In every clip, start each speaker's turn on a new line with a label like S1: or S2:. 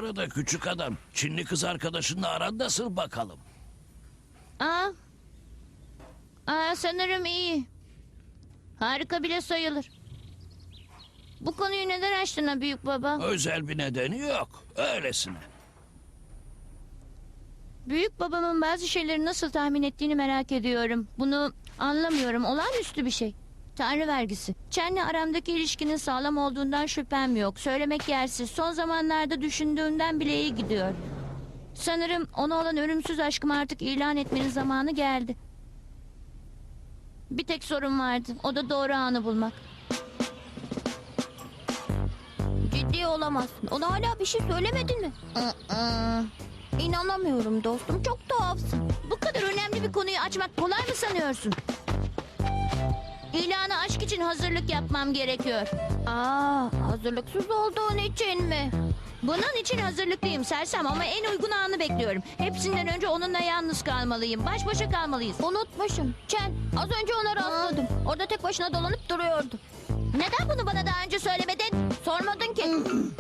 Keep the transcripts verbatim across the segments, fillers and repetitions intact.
S1: arada küçük adam? Çinli kız arkadaşınla aran nasıl bakalım?
S2: Aa. Aa, sanırım iyi. Harika bile sayılır. Bu konuyu neden açtın ha büyük baba?
S1: Özel bir nedeni yok. Öylesine.
S2: Büyük babamın bazı şeyleri nasıl tahmin ettiğini merak ediyorum. Bunu anlamıyorum. Olağanüstü bir şey. Tanrı vergisi. Chen'le aramdaki ilişkinin sağlam olduğundan şüphem yok. Söylemek yersiz. Son zamanlarda düşündüğümden bile iyi gidiyor. Sanırım ona olan ölümsüz aşkımı artık ilan etmenin zamanı geldi. Bir tek sorun vardı. O da doğru anı bulmak. Ciddi olamazsın. Ona hala bir şey söylemedin mi? İnanamıyorum dostum. Çok tuhafsın. Bu kadar önemli bir konuyu açmak kolay mı sanıyorsun? İlana aşk için hazırlık yapmam gerekiyor. Aa, hazırlıksız olduğun için mi? Bunun için hazırlıklıyım sersem ama en uygun anı bekliyorum. Hepsinden önce onunla yalnız kalmalıyım. Baş başa kalmalıyız. Unutmuşum. Chen, az önce ona rastladım. Orada tek başına dolanıp duruyordu. Neden bunu bana daha önce söylemedin? Sormadın ki.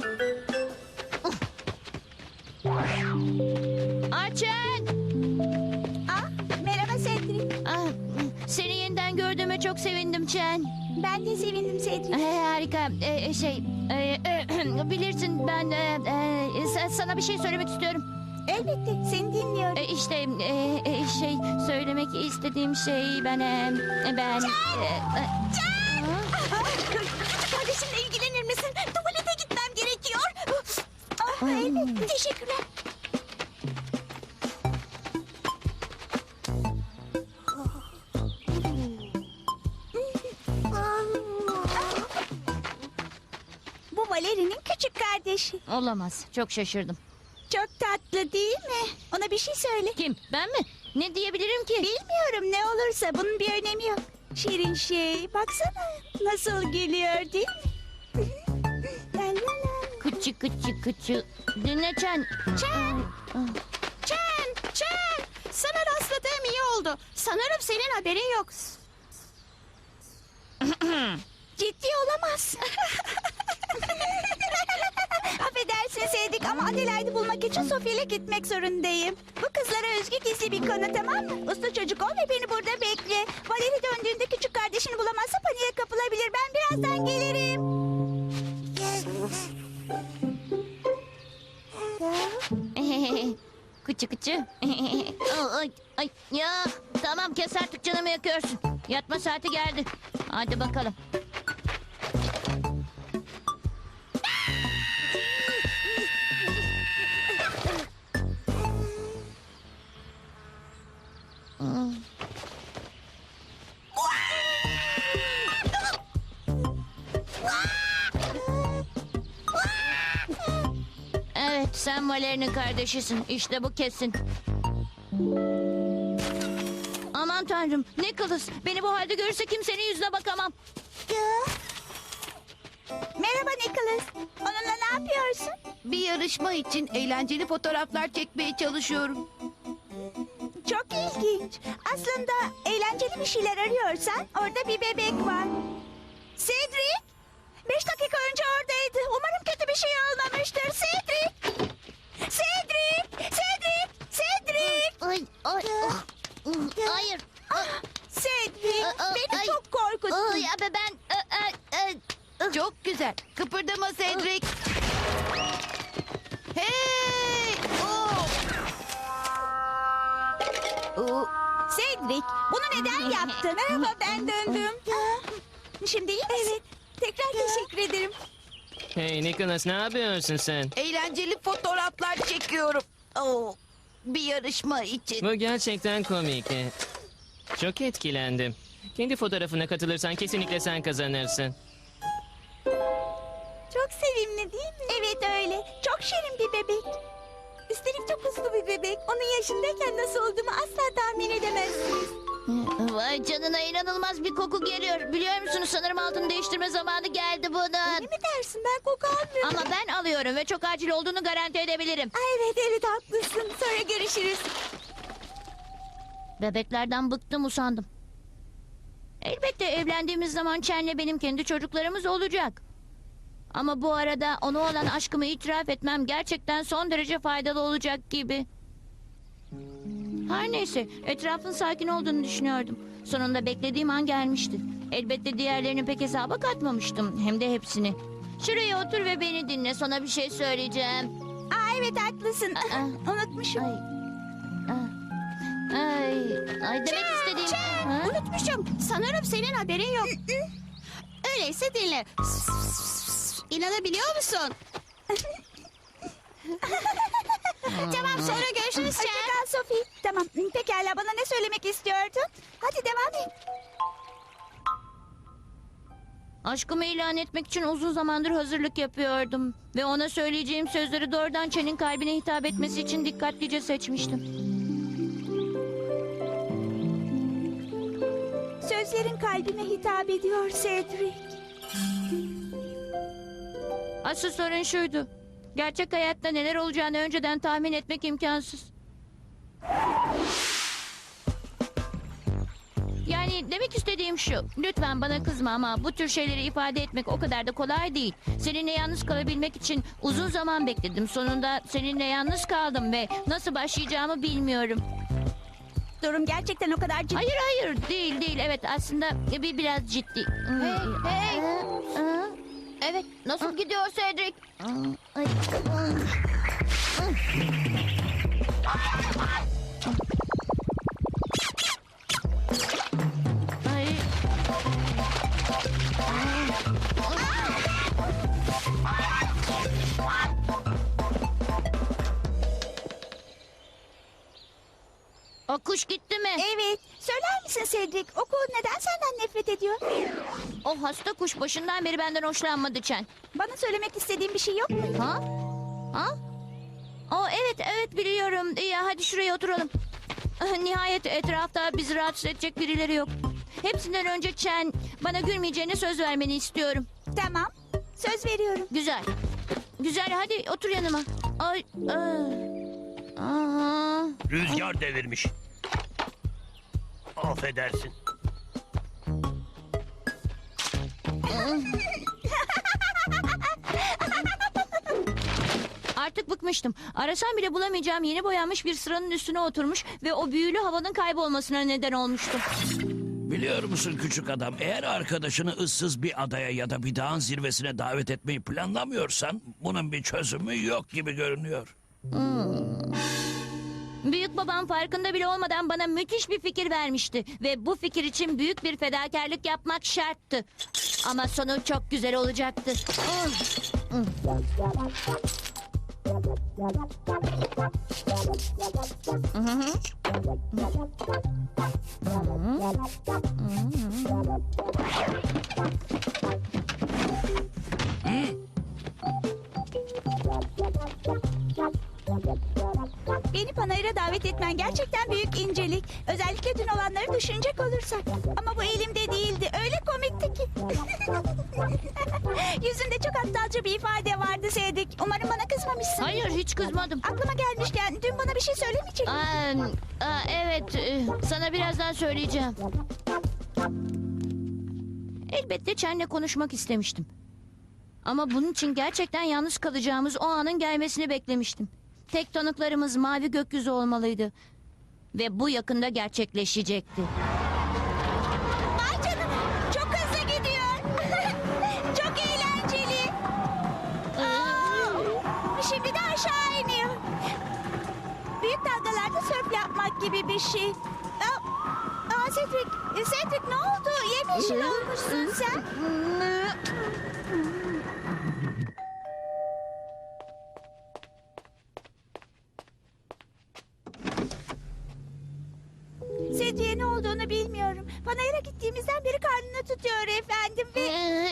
S2: Arçen!
S3: Ah, merhaba Cedric.
S2: Ah, seni yeniden gördüğüme çok sevindim Chen.
S3: Ben de sevindim Cedric.
S2: Ee, harika. Ee, şey, e, e, bilirsin ben e, e, sa- sana bir şey söylemek istiyorum.
S3: Elbette seni dinliyorum.
S2: E, işte e, e, şey söylemek istediğim şey ben e, ben. e, e,
S3: Küçük kardeşimle ilgilenir misin? Tuvalete gitmem gerekiyor. Ah, elbette teşekkürler. Bu Valeri'nin küçük kardeşi.
S2: Olamaz. Çok şaşırdım.
S3: Çok tatlı değil mi? Ona bir şey söyle.
S2: Kim? Ben mi? Ne diyebilirim ki?
S3: Bilmiyorum ne olursa bunun bir önemi yok. Şirin şey baksana nasıl gülüyor değil mi? La la la.
S2: Kıçı kıçı kıçı. Dinle Chen.
S3: Chen! Chen! Chen! Sana rastladığım iyi oldu. Sanırım senin haberin yok. Ciddi olamaz. Affedersin Sevdik ama Adelaide'i bulmak için Sofia ile gitmek zorundayım. Bu kızlara özgü gizli bir konu tamam mı? Uslu çocuk ol ve beni burada bekle. Valeri döndüğünde küçük kardeşini bulamazsa paniğe kapılabilir. Ben birazdan gelirim.
S2: Kıçı kıçı. ay, ay, ya tamam kes artık canımı yakıyorsun. Yatma saati geldi. Hadi bakalım. Evet, sen Valeri'nin kardeşisin. İşte bu kesin. Aman tanrım, Nicholas. Beni bu halde görürse kimsenin yüzüne bakamam.
S3: Merhaba Nicholas. Onunla ne yapıyorsun?
S4: Bir yarışma için eğlenceli fotoğraflar çekmeye çalışıyorum.
S3: Çok ilginç. Aslında eğlenceli bir şeyler arıyorsan orada bir bebek var. Cedric! Beş dakika önce oradaydı. Umarım kötü bir şey olmamıştır. Cedric! Cedric! Cedric! Cedric!
S2: Ay, ay, ah. Hayır.
S3: Cedric!
S2: Aa, aa,
S3: Beni
S2: ay.
S3: çok korkuttun.
S2: Ay, abi ben... e, e, e,
S4: Çok güzel. Kıpırdama Cedric. Hey! Oh!
S3: Oo, Cedric, bunu neden yaptın? Merhaba, ben döndüm. Şimdi iyi misin? Evet. Tekrar teşekkür ederim.
S5: Hey Nicholas, ne yapıyorsun sen?
S4: Eğlenceli fotoğraflar çekiyorum. Oh, bir yarışma için.
S5: Bu gerçekten komik. Çok etkilendim. Kendi fotoğrafına katılırsan kesinlikle sen kazanırsın.
S3: Çok sevimli değil mi? Evet öyle. Çok şirin bir bebek. Üstelik çok uslu bir bebek. Onun yaşındayken nasıl olduğumu asla tahmin edemezsiniz.
S2: Vay canına, inanılmaz bir koku geliyor. Biliyor musunuz, sanırım altını değiştirme zamanı geldi bunun.
S3: Ne mi dersin? Ben koku almıyorum.
S2: Ama ben alıyorum ve çok acil olduğunu garanti edebilirim.
S3: Ay, evet evet haklısın. Sonra görüşürüz.
S2: Bebeklerden bıktım, usandım. Elbette evlendiğimiz zaman Chen'le benim kendi çocuklarımız olacak. Ama bu arada ona olan aşkımı itiraf etmem gerçekten son derece faydalı olacak gibi. Her neyse, etrafın sakin olduğunu düşünüyordum. Sonunda beklediğim an gelmişti. Elbette diğerlerini pek hesaba katmamıştım. Hem de hepsini. Şuraya otur ve beni dinle. Sana bir şey söyleyeceğim.
S3: Aa, evet haklısın.
S2: Aa.
S3: Unutmuşum.
S2: Ay. Ay. Ay demek istediğim... Ha?
S3: Unutmuşum. Sanırım senin haberin yok. Öyleyse dinle. İnanabiliyor musun? Tamam, sonra görüşürüz. Hoşça kal Sophie. Tamam, pekala, bana ne söylemek istiyordun? Hadi devam et.
S2: Aşkımı ilan etmek için uzun zamandır hazırlık yapıyordum. Ve ona söyleyeceğim sözleri doğrudan Chen'in kalbine hitap etmesi için dikkatlice seçmiştim.
S3: Sözlerin kalbime hitap ediyor Cedric.
S2: Asıl sorun şuydu. Gerçek hayatta neler olacağını önceden tahmin etmek imkansız. Yani demek istediğim şu. Lütfen bana kızma ama bu tür şeyleri ifade etmek o kadar da kolay değil. Seninle yalnız kalabilmek için uzun zaman bekledim. Sonunda seninle yalnız kaldım ve nasıl başlayacağımı bilmiyorum.
S3: Durum gerçekten o kadar ciddi.
S2: Hayır hayır değil değil. Evet aslında bir biraz ciddi.
S3: Hey, hey.
S2: Aa, evet nasıl gidiyor Cedric? Ay. Ay. O kuş gitti mi?
S3: Evet. Söyler misin Cedric? Okul neden senden nefret ediyor?
S2: O hasta kuş başından beri benden hoşlanmadı Chen.
S3: Bana söylemek istediğin bir şey yok mu?
S2: Ha? Ha? O evet evet biliyorum. İyi hadi şuraya oturalım. Ah, Nihayet etrafta bizi rahatsız edecek birileri yok. Hepsinden önce Chen bana gülmeyeceğine söz vermeni istiyorum.
S3: Tamam. Söz veriyorum.
S2: Güzel. Güzel hadi otur yanıma. Ay. Aa. Aa.
S1: Rüzgar devirmiş. Affedersin.
S2: Artık bıkmıştım. Arasam bile bulamayacağım yeni boyanmış bir sıranın üstüne oturmuş ve o büyülü havanın kaybolmasına neden olmuştu.
S1: Biliyor musun küçük adam, eğer arkadaşını ıssız bir adaya ya da bir dağın zirvesine davet etmeyi planlamıyorsan bunun bir çözümü yok gibi görünüyor.
S2: Büyük babam farkında bile olmadan bana müthiş bir fikir vermişti ve bu fikir için büyük bir fedakarlık yapmak şarttı. Ama sonu çok güzel olacaktı.
S3: Beni panayıra davet etmen gerçekten büyük incelik. Özellikle dün olanları düşünecek olursak. Ama bu elimde değildi. Öyle komikti ki. Yüzünde çok aptalca bir ifade vardı Cedric. Umarım bana kızmamışsın.
S2: Hayır hiç kızmadım.
S3: Aklıma gelmişken dün bana bir şey söylemeyecek misin?
S2: Aa, aa, evet e, sana birazdan söyleyeceğim. Elbette Chen'le konuşmak istemiştim. Ama bunun için gerçekten yalnız kalacağımız o anın gelmesini beklemiştim. Tek tanıklarımız mavi gökyüzü olmalıydı. Ve bu yakında gerçekleşecekti.
S3: Vay canına. Çok hızlı gidiyor. Çok eğlenceli. Aa, şimdi de aşağı iniyor. Büyük dalgalarda sörf yapmak gibi bir şey. Aa, aa Cedric, Cedric ne oldu? Yemyeşil olmuşsun sen. Cedric'e ne olduğunu bilmiyorum. Panayır'a gittiğimizden beri karnını tutuyor efendim ve...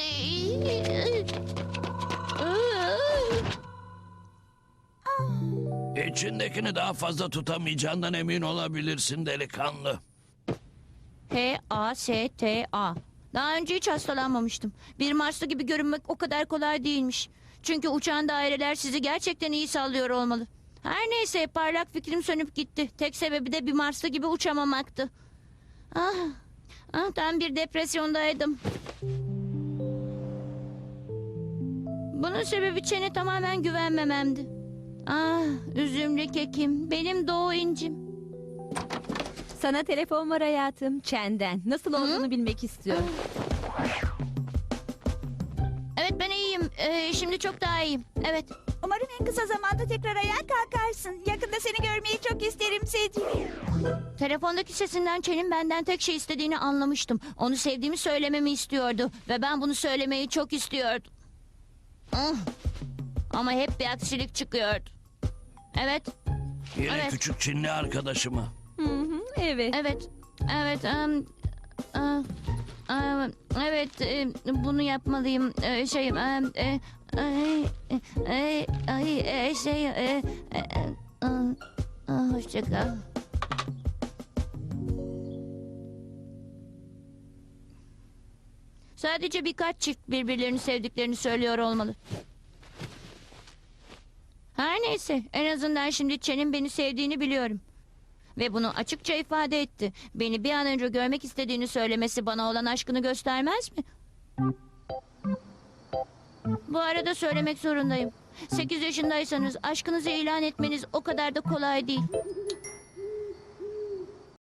S1: İçindekini daha fazla tutamayacağından emin olabilirsin delikanlı.
S2: H A S T A. Daha önce hiç hastalanmamıştım. Bir Marslı gibi görünmek o kadar kolay değilmiş. Çünkü uçan daireler sizi gerçekten iyi sallıyor olmalı. Her neyse parlak fikrim sönüp gitti. Tek sebebi de bir Marslı gibi uçamamaktı. Ah, ah tam bir depresyondaydım. Bunun sebebi Çen'e tamamen güvenmememdi. Ah, üzümlü kekim, benim doğu incim.
S6: Sana telefon var hayatım. Çen'den. Nasıl olduğunu bilmek istiyorum.
S2: Evet, ben iyiyim. Ee, şimdi çok daha iyiyim. Evet.
S3: Umarım en kısa zamanda tekrar ayağa kalkarsın. Yakında seni görmeyi çok isterim Cedric.
S2: Telefondaki sesinden Çen'in benden tek şey istediğini anlamıştım. Onu sevdiğimi söylememi istiyordu. Ve ben bunu söylemeyi çok istiyordum. Ah. Ama hep bir aksilik çıkıyordu. Evet,
S1: Yine
S2: Evet.
S1: küçük Çinli arkadaşıma.
S6: Hı hı, evet.
S2: evet, evet. em, em, em, evet, em, bunu yapmalıyım. Ee, Şey, em, e, ay, ay, ay, e, şey, e, e, e, e, hoşça kal. Sadece birkaç çift birbirlerini sevdiklerini söylüyor olmalı. Her neyse, en azından şimdi Çen'in beni sevdiğini biliyorum. Ve bunu açıkça ifade etti. Beni bir an önce görmek istediğini söylemesi bana olan aşkını göstermez mi? Bu arada söylemek zorundayım. Sekiz yaşındaysanız aşkınızı ilan etmeniz o kadar da kolay değil.